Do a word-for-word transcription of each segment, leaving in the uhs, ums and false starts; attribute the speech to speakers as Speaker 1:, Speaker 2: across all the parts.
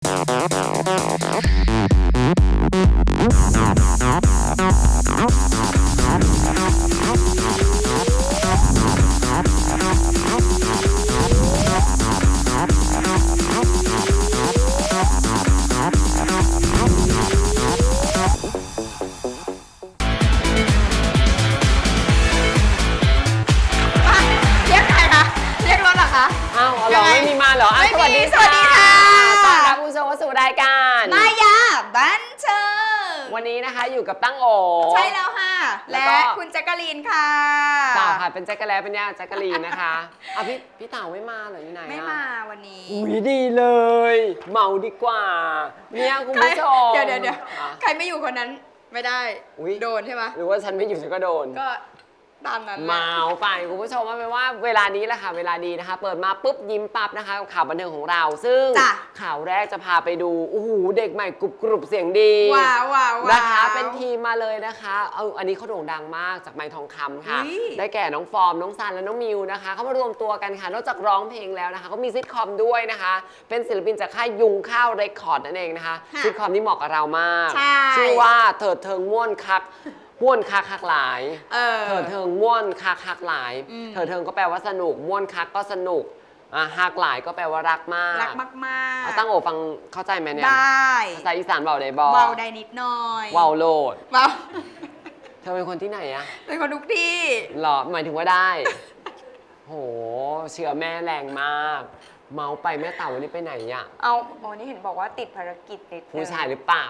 Speaker 1: เหรอสวัสดีสวัสดีค่ะต้อนรับคุณผู้ชมเข้าสู่รายการ
Speaker 2: มายาบันเทิง
Speaker 1: วันนี้นะคะอยู่กับตั้งโอ
Speaker 2: ใช่แล้วค่ะและคุณแจ๊กกะลีนค่ะ
Speaker 1: เต่าค่ะเป็นแจ๊กกะแลเป็นย่าแจ๊กกะลีนนะคะเอาพี่พี่เต่าไม่มาเหรอที่ไหน
Speaker 2: ไม่มาวันนี้
Speaker 1: อุ้ยดีเลยเมาดีกว่าเนี่ยคุณผู้ชม
Speaker 2: เดี๋ยวเดี๋ยวเดี๋ยวใครไม่อยู่คนนั้นไม่ได้โดนใช่ไหม
Speaker 1: หรือว่าฉันไม่อยู่ฉันก็โดน
Speaker 2: ก็ตามนั้น
Speaker 1: เมาไปคุณผู้ชมว่าเป็นว่าเวลานี้แหละค่ะเวลาดีนะคะเปิดมาปุ๊บยิ้มปั๊บนะคะข่าวบันเทิงของเราซึ่งข่าวแรกจะพาไปดูโอ้โหเด็กใหม่กรุบกรุบเสียงดี
Speaker 2: ว้าวว้าว
Speaker 1: นะคะเป็นทีมมาเลยนะคะเอาอันนี้เขาโด่งดังมากจากไมค์ทองคำค่ะได้แก่น้องฟอร์มน้องซันและน้องมิวนะคะเขามารวมตัวกันค่ะนอกจากร้องเพลงแล้วนะคะเขามีซิทคอมด้วยนะคะเป็นศิลปินจากค่ายยุงข้าวเรคคอร์ดนั่นเองนะคะซิทคอมที่เหมาะกับเรามากชื่อว่าเถิดเทิงม่วนคักม่วนคักคักหลายเถิดเทิงม่วนคักคักหลายเถิดเทิงก็แปลว่าสนุกม่วนคักก็สนุกอ่ะฮักหลายก็แปลว่ารักมาก
Speaker 2: รักมาก
Speaker 1: ๆตั้งโอฟังเข้าใจไหมเนี่ย
Speaker 2: ได้
Speaker 1: ภาษาอีสานเบาได้บ่
Speaker 2: เบาได้นิดหน่อย
Speaker 1: เบาโลด
Speaker 2: เบา
Speaker 1: เธอเป็นคนที่ไหนอะ
Speaker 2: เป็นคนทุกที่
Speaker 1: หรอหมายถึงว่าได้โหเชื่อแม่แรงมากเมาไปแม่เต่าวันนี้ไปไหนอะ
Speaker 2: เอาอ๋อนี่เห็นบอกว่าติดภารกิจติด
Speaker 1: ผู้ชายหรือเปล่า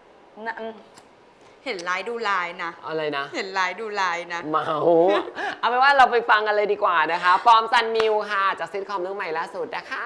Speaker 2: เห็นไลน์ดูไลน์นะ
Speaker 1: อะไรนะ
Speaker 2: เห็นไลน์ดูไลน์นะ
Speaker 1: เมาเอาเป็นว่าเราไปฟังกันเลยดีกว่านะคะฟอร์มซันมิวค่ะจากซิทคอมเรื่องใหม่ล่าสุดนะคะ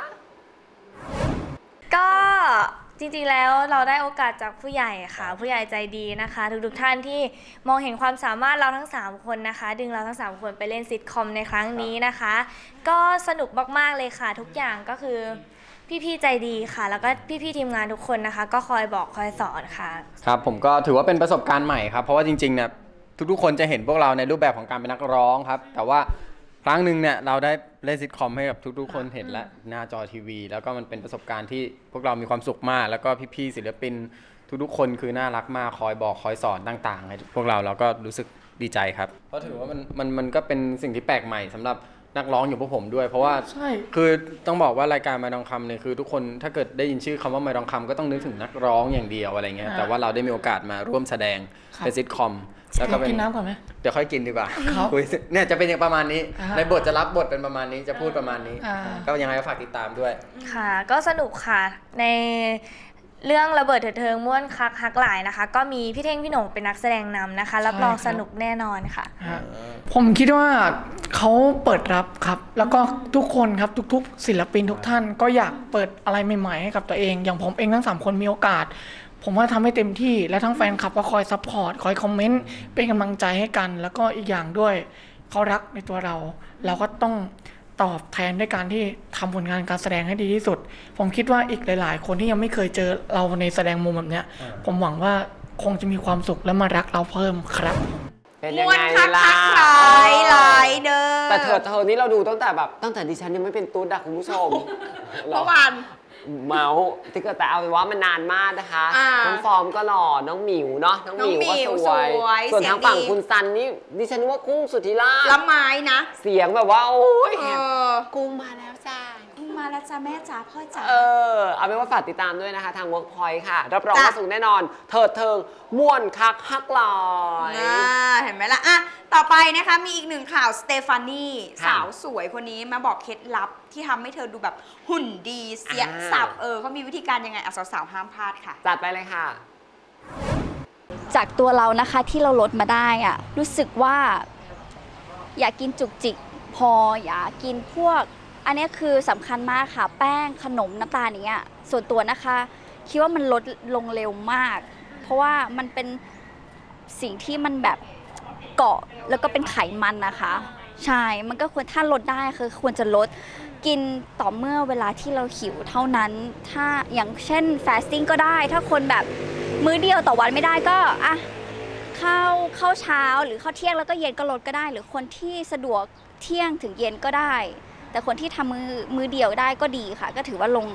Speaker 3: ก็จริงๆแล้วเราได้โอกาสจากผู้ใหญ่ค่ะผู้ใหญ่ใจดีนะคะทุกๆท่านที่มองเห็นความสามารถเราทั้งสามคนนะคะดึงเราทั้งสามคนไปเล่นซิทคอมในครั้งนี้นะคะก็สนุกมากๆเลยค่ะทุกอย่างก็คือพี่ๆใจดีค่ะแล้วก็พี่ๆทีมงานทุกคนนะคะก็คอยบอกคอยสอนค่ะ
Speaker 4: ครับผมก็ถือว่าเป็นประสบการณ์ใหม่ครับเพราะว่าจริงๆเนี่ยทุกๆคนจะเห็นพวกเราในรูปแบบของการเป็นนักร้องครับแต่ว่าครั้งหนึ่งเนี่ยเราได้เล่นซิทคอมให้กับทุกๆคนเห็นและหน้าจอทีวีแล้วก็มันเป็นประสบการณ์ที่พวกเรามีความสุขมากแล้วก็พี่ๆศิลปินทุกๆคนคือน่ารักมากคอยบอกคอยสอนต่างๆให้พวกเราเราก็รู้สึกดีใจครับเพราะถือว่ามันมันมันก็เป็นสิ่งที่แปลกใหม่สำหรับนักร้องอยู่พวกผมด้วยเพราะว่าคือต้องบอกว่ารายการไมค์ทองคำเนี่ยคือทุกคนถ้าเกิดได้ยินชื่อคำว่าไมค์ทองคำก็ต้องนึกถึงนักร้องอย่างเดียวอะไรเงี้ยแต่ว่าเราได้มีโอกาสมาร่วมแสดงเป็นซิทคอม
Speaker 5: แล้วก็เป็นกินน้ำก่อนไหม
Speaker 4: เดี๋ยวค่อยกินดีกว่าเนี่ยจะเป็นอย่างประมาณนี้ในบทจะรับบทเป็นประมาณนี้จะพูดประมาณนี้ก็ยังไงก็ฝากติดตามด้วย
Speaker 3: ค่ะก็สนุกค่ะในเรื่องระเบิดเถิดเทิงม่วนคักฮักหลายนะคะก็มีพี่เท่งพี่หน่งเป็นนักแสดงนำนะคะรับรองสนุกแน่นอนค่ะ
Speaker 5: ผมคิดว่าเขาเปิดรับครับแล้วก็ทุกคนครับทุกๆศิลปินทุกท่านก็อยากเปิดอะไรใหม่ๆให้กับตัวเองอย่างผมเองทั้งสามคนมีโอกาสผมว่าทำให้เต็มที่และทั้งแฟนคลับก็คอยซัพพอร์ตคอยคอมเมนต์เป็นกำลังใจให้กันแล้วก็อีกอย่างด้วยเขารักในตัวเราเราก็ต้องตอบแทนด้วยการที่ทำผลงานการแสดงให้ดีที่สุดผมคิดว่าอีกหลายๆคนที่ยังไม่เคยเจอเราในแสดงมุมแบบนี้ผมหวังว่าคงจะมีความสุขและมารักเราเพิ่มครับ
Speaker 1: เป็นยังไงล่ะ
Speaker 2: หลายหลายเด้อ
Speaker 1: แต่เธอเธอนี่เราดูตั้งแต่แบบตั้งแต่ดิฉันยังไม่เป็นตุ๊ดอะคุณผู้ชม
Speaker 2: เมื่อวาน
Speaker 1: เมาที่ก็แต่เอาเป็นว่ามันนานมากนะคะน้องฟอร์มก็หล่อน้องหมิวเนาะน้องหมิวก็สวยส่วนทางฝั่งคุณซันนี่ดิฉันว่ากุ้งสุธิราช
Speaker 2: ละไม้นะ
Speaker 1: เสียงแบบว่าโอ้ยกุ้งมาแล้วจ้า
Speaker 2: กุ้งมาแล้วจ้าแม่จ๋าพ่อจ๋า
Speaker 1: เออเอาเป็นว่าฝากติดตามด้วยนะคะทาง Workpoint ค่ะรับรองว่าสูงแน่นอนเถิดเทิงม่วนคักฮักลอย
Speaker 2: เห็นไหมล่ะอ่ะต่อไปนะคะมีอีกหนึ่งข่าวสเตฟานีสาวสวยคนนี้มาบอกเคล็ดลับที่ทำให้เธอดูแบบหุ่นดีเสียสับเออเขามีวิธีการยังไงอ่ะสาวๆห้ามพลาดค่ะ
Speaker 1: จัดไปเลยค่ะ
Speaker 6: จากตัวเรานะคะที่เราลดมาได้อ่ะรู้สึกว่าอยากกินจุกจิกพออยากกินพวกอันนี้คือสำคัญมากค่ะแป้งขนมน้ำตาลอย่างเงี้ยส่วนตัวนะคะคิดว่ามันลดลงเร็วมากเพราะว่ามันเป็นสิ่งที่มันแบบเกาะแล้วก็เป็นไขมันนะคะใช่มันก็ควรถ้าลดได้คือควรจะลดกินต่อเมื่อเวลาที่เราหิวเท่านั้นถ้าอย่างเช่นฟาสติ้งก็ได้ถ้าคนแบบมื้อเดียวต่อวันไม่ได้ก็อ่ะข้าวข้าวเช้าหรือข้าวเที่ยงแล้วก็เย็นก็ลดก็ได้หรือคนที่สะดวกเที่ยงถึงเย็นก็ได้แต่คนที่ทำมือมือเดียวได้ก็ดีค่ะก็ถือว่าลง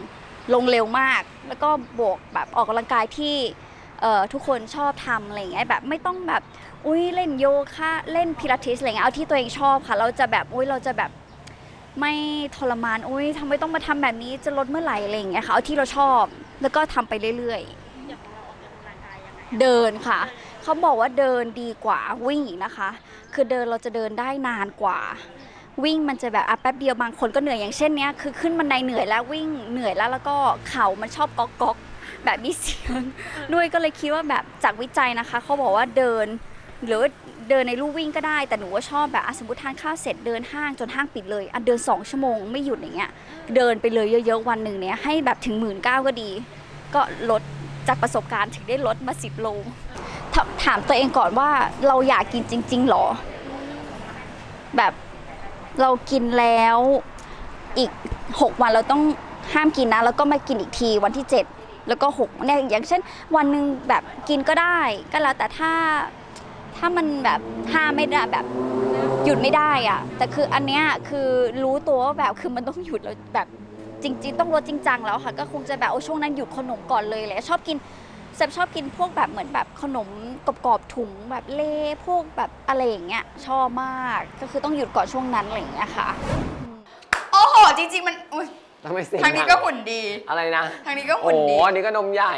Speaker 6: ลงเร็วมาก แล้วก็บวกแบบออกกำลังกายที่เอ่อทุกคนชอบทำอะไรอย่างเงี้ยแบบไม่ต้องแบบอุ้ยเล่นโยคะเล่นพิลาทิสอะไรเงี้ยเอาที่ตัวเองชอบค่ะเราจะแบบอุ้ยเราจะแบบไม่ทรมานอุ้ยทำไมต้องมาทำแบบนี้จะลดเมื่อไหร่อะไรอย่างเงี้ยค่ะเอาที่เราชอบแล้วก็ทำไปเรื่อยๆเดินค่ะเขาบอกว่าเดินดีกว่าวิ่งอีกนะคะ คือเดินเราจะเดินได้นานกว่าวิ่งมันจะแบบอ่ะแป๊บเดียวบางคนก็เหนื่อยอย่างเช่นเนี้ยคือขึ้นบันไดเหนื่อยแล้ววิ่งเหนื่อยแล้วแล้วก็เข่ามันชอบก๊อกก๊อกแบบมีเสียงด้วยก็เลยคิดว่าแบบจากวิจัยนะคะเขาบอกว่าเดินหรือเดินในลู่วิ่งก็ได้แต่หนูว่าชอบแบบสมมติทานข้าวเสร็จเดินห้างจนห้างปิดเลยอ่ะเดินสองชั่วโมงไม่หยุดอย่างเงี้ยเดินไปเลยเยอะๆวันหนึ่งเนี้ยให้แบบถึงหมื่นเก้าก็ดี ก็ลดจากประสบการณ์ถึงได้ลดมาสิบโลถถามตัวเองก่อนว่าเราอยากกินจริงๆหรอแบบเรากินแล้วอีกหกวันเราต้องห้ามกินนะแล้วก็มากินอีกทีวันที่เจ็ดแล้วก็หกเนี่ยอย่างเช่นวันหนึ่งแบบกินก็ได้ก็แล้วแต่ถ้าถ้ามันแบบห้ามไม่ได้แบบหยุดไม่ได้อะแต่คืออันเนี้ยคือรู้ตัวว่าแบบคือมันต้องหยุดแล้วแบบจริงๆต้องลดจริงจังแล้วค่ะก็คงจะแบบโอ้ช่วงนั้นหยุดขนมก่อนเลยเลยชอบกินแซมชอบกินพวกแบบเหมือนแบบขนมกรอบๆถุงแบบเล่พวกแบบอะไรอย่างเงี้ยชอบมากก็คือต้องหยุดก่อนช่วงนั้นอะไรอย่างเงี้ยค่ะ
Speaker 2: โอ้โหจริงๆมันอุ๊ย
Speaker 1: ทำไมเสียง
Speaker 2: ทางนี้ก็หุ่นดี
Speaker 1: อะไรนะ
Speaker 2: ทางนี้ก็หุ่นดี
Speaker 1: โอ้อันนี้ก็นมใหญ่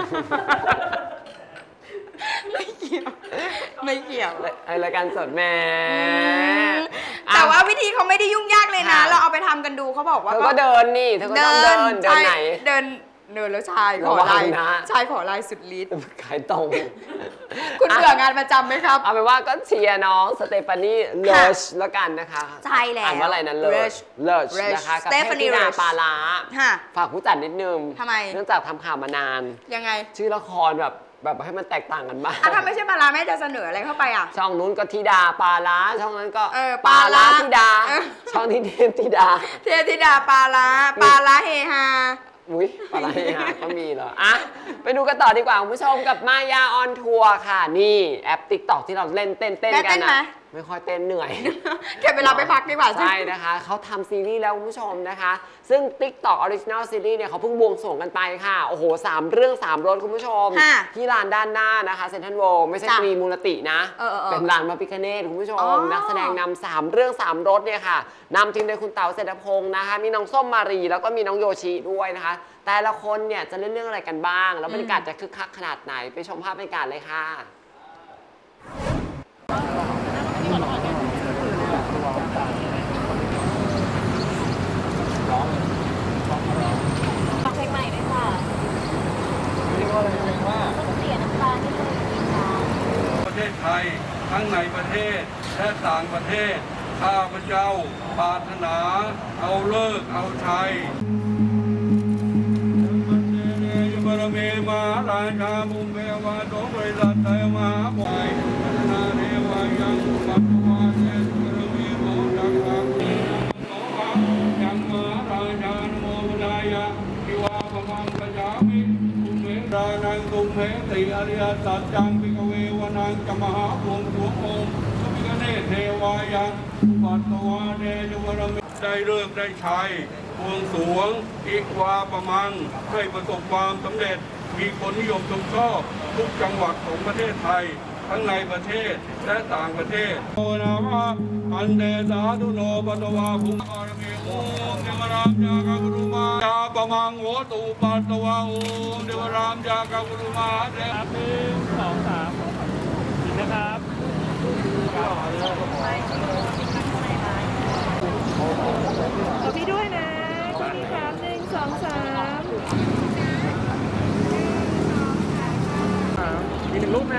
Speaker 2: ไม่เกี่ยวไม่เกี่ยว
Speaker 1: ไอรายการสดแหม่
Speaker 2: แต่ว่าวิธีเขาไม่ได้ยุ่งยากเลยนะ
Speaker 1: ค่ะ
Speaker 2: เราเอาไปทำกันดูเขาบอกว่า
Speaker 1: เธอก็เดินนี่เธอก็ต้องเดินเดิน
Speaker 2: ใช่
Speaker 1: ไหน
Speaker 2: เดินเดินแล้วชายข
Speaker 1: ระ
Speaker 2: อ
Speaker 1: วัง
Speaker 2: ลาย
Speaker 1: นะ
Speaker 2: ชายขอลายสุดฤทธิ์
Speaker 1: ขายตรง
Speaker 2: คุณเบื่องานประจำไหมครับ
Speaker 1: เอาเป็นว่าก็เชียร์น้องสเตฟานีเลชแล้วกันนะคะ
Speaker 2: ใช่แล้ว
Speaker 1: อ่านว่าอะไรนะเลช
Speaker 2: Lush
Speaker 1: เลช
Speaker 2: Lush
Speaker 1: นะคะกับ
Speaker 2: Stephanie
Speaker 1: เทพธิดา
Speaker 2: Lush
Speaker 1: ปาลา
Speaker 2: ค่ะ
Speaker 1: ฝากผู้จัดนิดนึง
Speaker 2: ทำไม
Speaker 1: เนื่องจากทำข่าวมานาน
Speaker 2: ยังไง
Speaker 1: ชื่อละครแบบแบบให้มันแตกต่างกันบ้าง
Speaker 2: อ่ะถ้าไม่ใช่ปลาร้าแม่จะเสนออะไรเข้าไปอ่ะ
Speaker 1: ช่องนู้นก็ธิดาปาลาช่องนั้นก็
Speaker 2: เออ
Speaker 1: ปาลา
Speaker 2: ปาลา
Speaker 1: ธิดา
Speaker 2: เออ
Speaker 1: ช่องนี้เทพธิดา
Speaker 2: เทพธิดาปลาร้าปลาร้าเฮฮา
Speaker 1: อุ้ยปาลาเฮฮาก็มีเหรออ่ะไปดูกันต่อดีกว่าคุณผู้ชมกับมายาออนทัวร์ค่ะนี่แอปติ๊กต็อกที่เราเล่นเต้นเต้น
Speaker 2: แม่
Speaker 1: กั
Speaker 2: เต้
Speaker 1: น
Speaker 2: นไหม
Speaker 1: อ่ะไม่ค่อยเต้นเหนื่อย
Speaker 2: เก็บเวลาไปพักดีกว่า
Speaker 1: ใช่นะคะเขาทำซีรีส์แล้วคุณผู้ชมนะคะ ซึ่ง TikTok Original Series เนี่ยเขาเพิ่งบวงสรวงกันไปค่ะ โอ้โหสามเรื่องสามรสคุณผู้ชม
Speaker 2: ค่ะ
Speaker 1: ที่ลานด้านหน้านะคะเซนทรัลโวไม่ใช่
Speaker 2: จ้ะ
Speaker 1: ตรีมูลตินะ
Speaker 2: เออเออเออ
Speaker 1: เป็นลานพระพิฆเนศคุณผู้ช
Speaker 2: อ๋
Speaker 1: ม
Speaker 2: อ
Speaker 1: นักแสดงนำสามเรื่องสามรสเนี่ยค่ะนำทีมโดยคุณเต๋าเศรษฐพงศ์นะคะ มีน้องส้มมารีแล้วก็มีน้องโยชิด้วยนะคะ แต่ละคนเนี่ยจะเล่นเรื่องอะไรกันบ้าง แล้วบรรยากาศจะคึกคักขนาดไหนไปชมภาพบรรยากาศเลยค่ะ
Speaker 6: ฟังเพลงใหม่ด้วยค่ะต้องเสียน้ำตาที่เลยกินค่ะ
Speaker 7: ประเทศไทยทั้งในประเทศและต่างประเทศข้าพเจ้าปรารถนาเอาเลิกเอาชัยบารมีมาราชาบุญเบวาโตบริษัทไทยมาปล่อยพัฒนาเรวายังปัตวาเทศบารมีโมจักรังโนวังยังมาราชาโมนายะทิวาปมังกจามิภูเมดานังตุมเหติอริยสัจจังปิกเววนังจมหาภูมิสวงองค์สมิกเนเทวายังปัตวาเนจบารมีได้เลิกได้ชัยบวงสรวงอีกวาประมังให้ประสบความสำเร็จมีคนนิยมชมชอบทุกจังหวัดของประเทศไทย ทั้งในประเทศและต่างประเทศโอนาวะอันเดสาธุโนปตวาภุมารมีโอมเดวรามยากากุรุมาจาปมังโหตุปัตตวาโอมเดวรามยากากุรุมาเดครับหนึ่งสองสามนะครับ
Speaker 8: ขอพี่ด้วยนะขอพี่ครับหนึ่งสองสาม
Speaker 9: อีกหนึ่งรูปนะ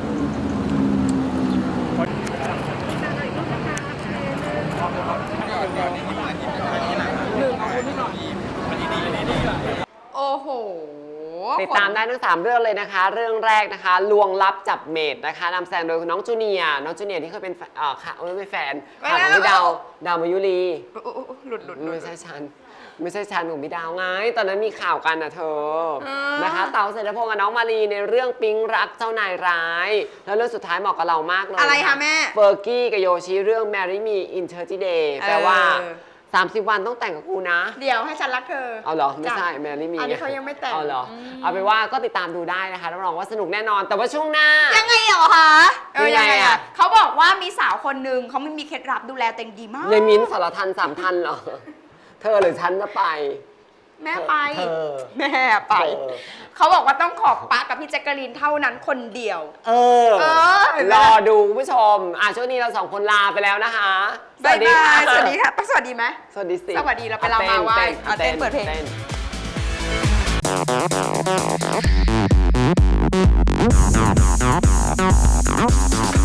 Speaker 2: โอ้โห
Speaker 1: ติดตามได้ทั้งสามเรื่องเลยนะคะ เรื่องแรกนะคะ ลวงลับจับเมดนะคะนำแสดงโดยน้องจูเนียร์น้องจูเนียร์ที่เคยเป็นแฟนเอ่อค่ะไม่เป็นแฟนข่าวของพี่ดาวดาวมายุรี
Speaker 2: โอ้โหหลุดหลุดหลุด
Speaker 1: ไม่ใช่ฉันไม่ใช่ฉันของพี่ดาวไงตอนนั้นมีข่าวกันนะเธอ
Speaker 2: อ่าน
Speaker 1: นะคะเต๋าเศรษฐพงศ์กับน้องมารีในเรื่องปิ๊งรักเจ้านายร้าย แล้วเรื่องสุดท้ายเหมาะกับเรามากเลย
Speaker 2: อะไรคะแม่
Speaker 1: เฟอร์กี้กับโยชิเรื่อง Marry Me in thirty Day แปลว่าสามสิบวันต้องแต่งกับกูนะ
Speaker 2: เดี๋ยวให้ฉันรักเธอ
Speaker 1: เอาเหรอ ไม่ใช่
Speaker 2: จ้ะ
Speaker 1: แมรี่มี
Speaker 2: อันนี้เขายังไม่แต่ง
Speaker 1: เอาเหรอ
Speaker 2: อืม
Speaker 1: เอาไปนว่าก็ติดตามดูได้นะคะรับรองว่าสนุกแน่นอน แต่ว่าช่วงหน้า
Speaker 2: ยังไงเหรอคะเออ
Speaker 1: ยั
Speaker 2: ยัง ง
Speaker 1: ไง
Speaker 2: ไง
Speaker 1: อะ
Speaker 2: อะเขาบอกว่ามีสาวคนหนึ่งเขาไม่มีเคล็ดลับดูแลตัวเองดีมาก
Speaker 1: ยายมิ้นท์สารทันสามทันเหรอ เธอหรือฉันจะไป
Speaker 2: แม่ไป
Speaker 1: เธอ
Speaker 2: แม่ไป
Speaker 1: เธอ
Speaker 2: เขาบอกว่าต้องขอบปะกับพี่แจ๊กกะลีนเท่านั้นคนเดียว
Speaker 1: เออ
Speaker 2: เออเห็นไหม
Speaker 1: รอดูคุณผู้ชม อ่ะช่วงนี้เราสองคนลาไปแล้วนะคะ
Speaker 2: บ๊ายบายสวัสดีค่ะต้องสวัสดีไหม
Speaker 1: สวัสดีสิ
Speaker 2: สวัสดีเราไปลามาไหว้อ่ะเต้นเปิดเพลง
Speaker 1: ต้น